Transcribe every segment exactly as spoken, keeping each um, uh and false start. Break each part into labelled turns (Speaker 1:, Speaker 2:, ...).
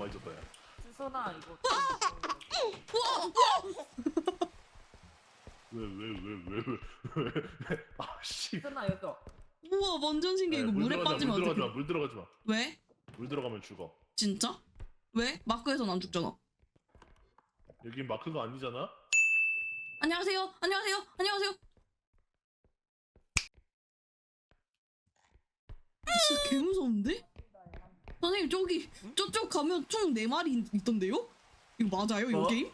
Speaker 1: 많이 줬다 야.
Speaker 2: 수선아 이거.
Speaker 1: 왜 왜 왜 왜 왜 왜? 아씨.
Speaker 2: 수선아 여기.
Speaker 3: 우와 완전 신기해. 이거 물에 빠지면
Speaker 1: 물 들어가지
Speaker 3: 어떡해?
Speaker 1: 마. 물 들어가지 마.
Speaker 3: 왜?
Speaker 1: 물 들어가면 죽어.
Speaker 3: 진짜? 왜? 마크에선 안 죽잖아.
Speaker 1: 여긴 마크가 아니잖아.
Speaker 3: 안녕하세요. 안녕하세요. 안녕하세요. 진짜 개 무서운데? 선생님 저기 저쪽 가면 총 네 마리 있, 있던데요? 이거 맞아요? 이거
Speaker 2: 어?
Speaker 3: 게임?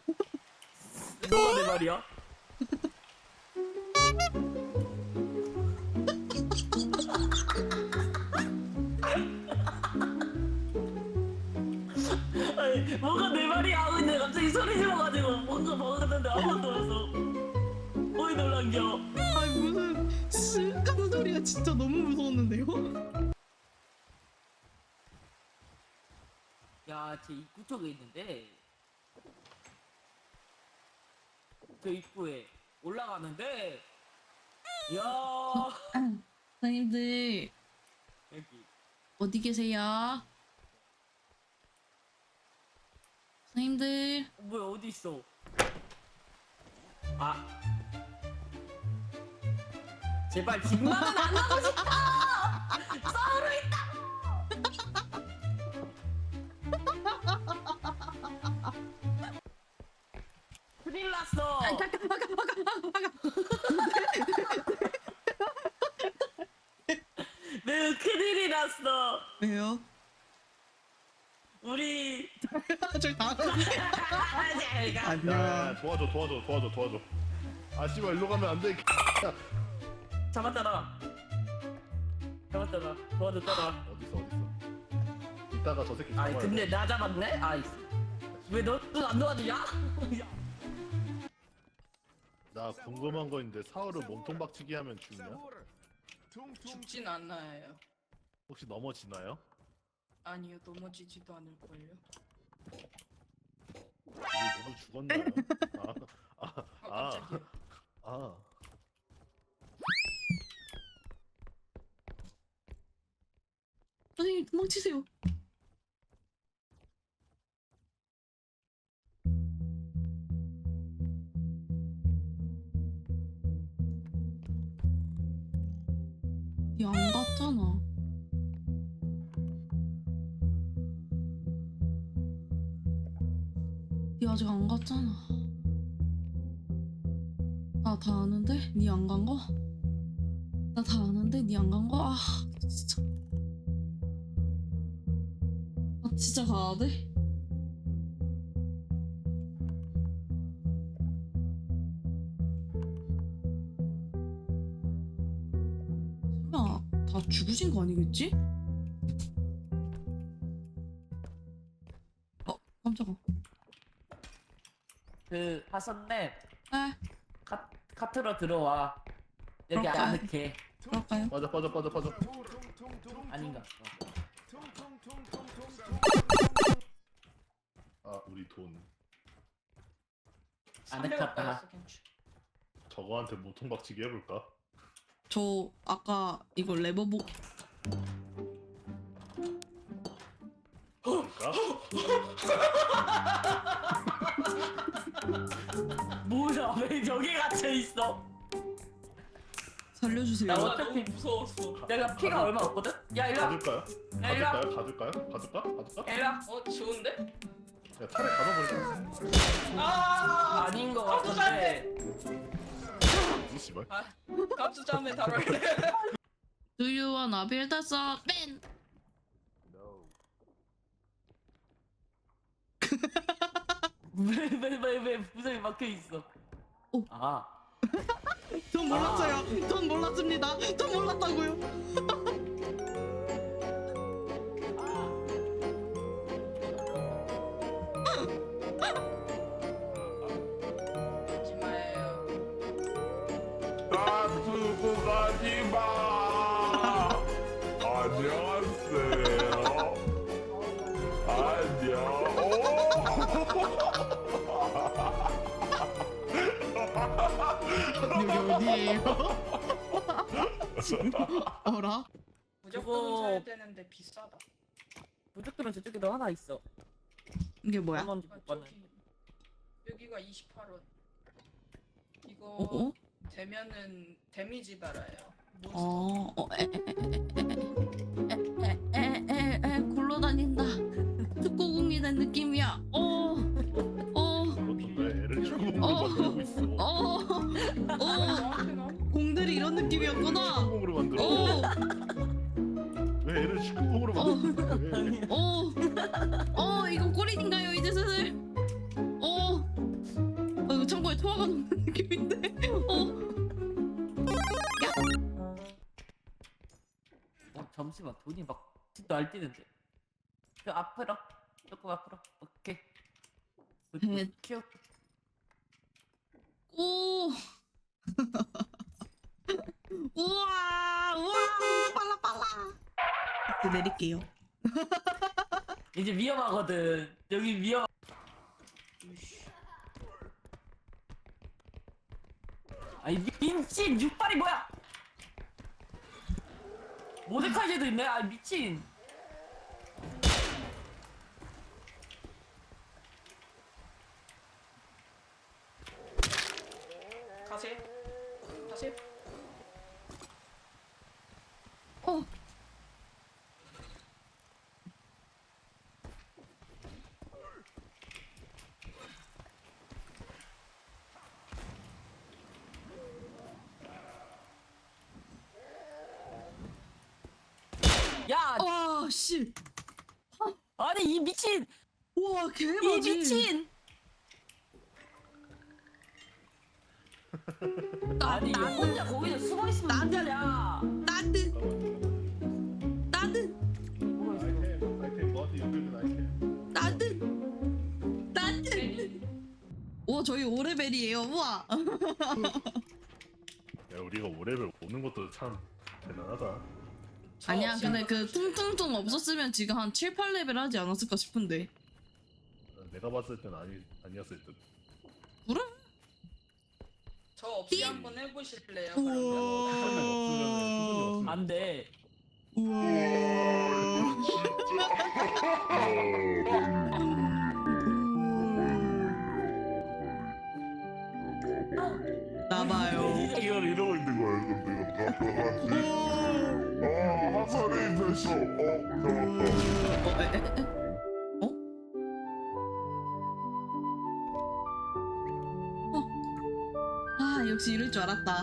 Speaker 2: 너가 내 말이야? 아니 뭐가 내 말이야? 근데 갑자기 소리 질러가지고 뭔가 먹었는데 아무것도 없어. 어이 놀란겨.
Speaker 3: 아니 무슨 쓱 하는 소리가 진짜 너무 무서웠는데요?
Speaker 2: 야, 제 입구 쪽에 있는데 저 입구에 올라가는데 야
Speaker 3: 선생님들
Speaker 2: 여기
Speaker 3: 어디 계세요? 선생님들
Speaker 2: 어, 뭐야 어디 있어? 아 제발 집만은 안 하고 싶다. 싸우러 있다. 큰일 났어.
Speaker 3: 아, 잠깐, 아까, 아까, 아까,
Speaker 2: 네, 큰일이 났어.
Speaker 3: 왜요?
Speaker 2: 우리
Speaker 3: 저 다.
Speaker 2: 잘 가.
Speaker 1: 야, 야 도와줘 도와줘 도와줘 도와줘. 아 씨발 일로 가면 안 돼.
Speaker 2: 잡았잖아. 잡았잖아. 도와줬잖아.
Speaker 1: 어딨어 어딨어. 이따가 저 새끼
Speaker 2: 아이
Speaker 1: 잡아야
Speaker 2: 근데
Speaker 1: 돼.
Speaker 2: 나 잡았네? 아이 왜 너도 안 도와주냐?
Speaker 1: 나 궁금한 거 있는데 사월을 몸통 박치기 하면 죽냐?
Speaker 4: 죽진 않아요.
Speaker 1: 혹시 넘어지나요?
Speaker 4: 아니요, 넘어지지도 않을걸요.
Speaker 1: 우리 누구 죽었나요? 아, 아,
Speaker 4: 어,
Speaker 1: 아,
Speaker 4: 깜짝이야.
Speaker 1: 아.
Speaker 3: 선생님 도망치세요. 니 안 갔잖아. 니 아직 안 갔잖아. 나 다 아는데 니 안 간 거? 나 다 아는데 니 안 간 거? 아 진짜. 아 진짜 가야 돼? 설마 다 죽으신 거 아니겠지? 어 깜짝아.
Speaker 2: 그 하선님
Speaker 3: 에
Speaker 2: 카, 카트로 들어와. 여기
Speaker 3: 그럴까요?
Speaker 2: 안 넣게.
Speaker 3: 그럴까요?
Speaker 1: 빠져 빠져 빠져 빠져.
Speaker 2: 아닌가?
Speaker 1: 아 우리 돈.
Speaker 2: 안
Speaker 4: 삼백
Speaker 2: 넣겠다.
Speaker 4: 원이었어, 괜찮.
Speaker 1: 저거한테 몸통 박치기 해볼까?
Speaker 3: 저 아까 이거 레버복
Speaker 1: 볼까?
Speaker 2: 뭐야 왜 여기 갇혀 있어?
Speaker 3: 살려주세요.
Speaker 2: 나
Speaker 4: 나
Speaker 2: 어차피
Speaker 4: 너무 무서웠어.
Speaker 2: 내가 피가 얼마 없거든? 야 일로 와.
Speaker 1: 가줄까요?
Speaker 2: 야 일로 와.
Speaker 1: 가줄까요? 가줄까요? 가줄까? 가줄까?
Speaker 2: 야 일로 와.
Speaker 4: 어, 좋은데?
Speaker 1: 야 차라리 가둬버리자.
Speaker 4: 아,
Speaker 2: 아닌 거
Speaker 4: 깜짝
Speaker 2: 같은데.
Speaker 1: 이 씨발.
Speaker 4: 아, 깝수자매 다룰래.
Speaker 3: Do you wanna build a man?
Speaker 2: 왜왜왜왜 무슨 막혀 있어?
Speaker 3: 오.
Speaker 2: 아.
Speaker 3: 전 몰랐어요. 전 몰랐습니다. 전 몰랐다고요.
Speaker 4: 하지 마요.
Speaker 5: 나 두고 가지 마. 안녕하세요. 안녕.
Speaker 3: 여기 어디예요? 어라?
Speaker 4: 무조건
Speaker 2: 저거-
Speaker 4: 사야 되는데 비싸다.
Speaker 2: 무조건 저쪽에도 하나 있어.
Speaker 3: 이게 뭐야?
Speaker 6: 한 원도 못 받네.
Speaker 4: 여기가 이십팔 원. 이거
Speaker 3: 어? 어?
Speaker 4: 되면은 데미지 달아요.
Speaker 3: 어, 어, 에, 에, 에, 에, 에, 에, 에, 굴러다닌다. 특고공이 된 느낌이야. 어, 어,
Speaker 1: 그렇던데 애를 축구공으로
Speaker 3: 어.
Speaker 1: 만들고 있어.
Speaker 3: 어, 어.
Speaker 4: 저한테는
Speaker 3: 공들이 이런 느낌이었구나.
Speaker 1: 축구공으로 만들어.
Speaker 3: 어,
Speaker 1: 왜 애를 축구공으로 만드는 거야?
Speaker 3: 어, 어, 이거 꼬린인가요? 이제 슬슬. 어, 어 이거 참고에 토화가 녹는 느낌인데. 어,
Speaker 6: 어 잠시만 돈이 막 날뛰는데. 저 앞으로 조금 앞으로. 오케이.
Speaker 3: 네.
Speaker 6: 키워.
Speaker 3: 오. 우와, 우와, 빨라 빨라. 이제 내릴게요.
Speaker 6: 이제 위험하거든. 여기 위험. 아니 미친 육발이 뭐야? 모데카이제도 있네. 아 미친.
Speaker 4: 가세. 가세.
Speaker 3: 어.
Speaker 6: 야
Speaker 3: 와, 씨.
Speaker 6: 아니 이 미친.
Speaker 3: 우와,
Speaker 6: 이
Speaker 3: 개맞이.
Speaker 6: 미친. 아니 나 혼자 거기서 숨어 있으면 안 되냐?
Speaker 3: 나는, 나는,
Speaker 1: 아이템 아이템 너한테 연결된 아이템.
Speaker 3: 나는, 나는. 오, 저희 오 레벨이에요. 우와.
Speaker 1: 야 우리가 오 레벨 오는 것도 참 대단하다.
Speaker 3: 아니야, 근데 그 퉁퉁퉁 없었으면 지금 한 칠, 팔 레벨 하지 않았을까 싶은데.
Speaker 1: 내가 봤을 땐 아니 아니었을 듯.
Speaker 3: 그래?
Speaker 4: 저 없이 한번 해보실래요?
Speaker 3: 우와.
Speaker 4: 그러면?
Speaker 1: 수선이 없으면 수선이 없으면
Speaker 6: 안 돼.
Speaker 3: 나봐요.
Speaker 6: 이거
Speaker 5: 이러고 있는 거야 근데 이거 다 들어가지 아 화살이 됐어 어 잡았다
Speaker 3: 어, 에, 에, 에. 어? 어? 아, 역시 이럴 줄 알았다.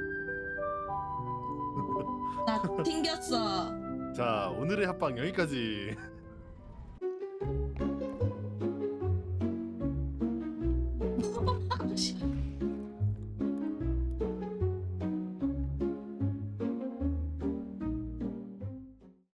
Speaker 3: 나 튕겼어.
Speaker 1: 자 오늘의 합방 여기까지.